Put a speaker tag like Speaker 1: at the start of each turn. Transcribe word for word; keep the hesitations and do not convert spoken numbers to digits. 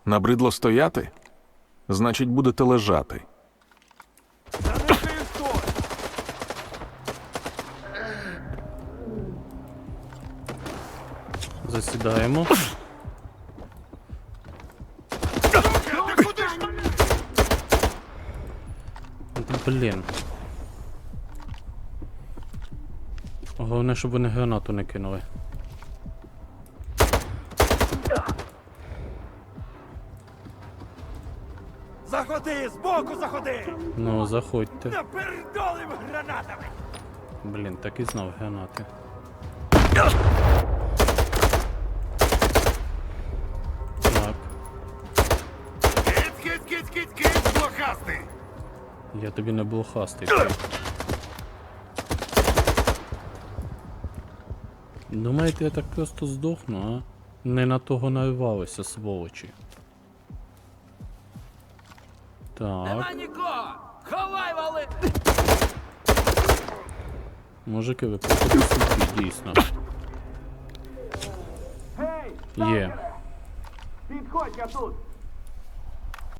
Speaker 1: Набридло стояти? Значить, будете лежати.
Speaker 2: Засідаємо. Блін. Головне, щоб вони гранату не кинули.
Speaker 3: Заходи, збоку заходи!
Speaker 2: Ну, заходьте.
Speaker 3: Напердолим гранатами!
Speaker 2: Блін, так і знав гранати. Так,
Speaker 3: Киць, киць, киць, киць, киць, блохастий!
Speaker 2: я тобі не блохастий. Думаєте, я так просто здохну, а? Не на того нарвалися, сволочі. Так.
Speaker 3: нікого! Ховай, вали!
Speaker 2: Мужики, ви походу собі, дійсно.
Speaker 3: Гей!
Speaker 2: Є.
Speaker 3: Підходь, я тут!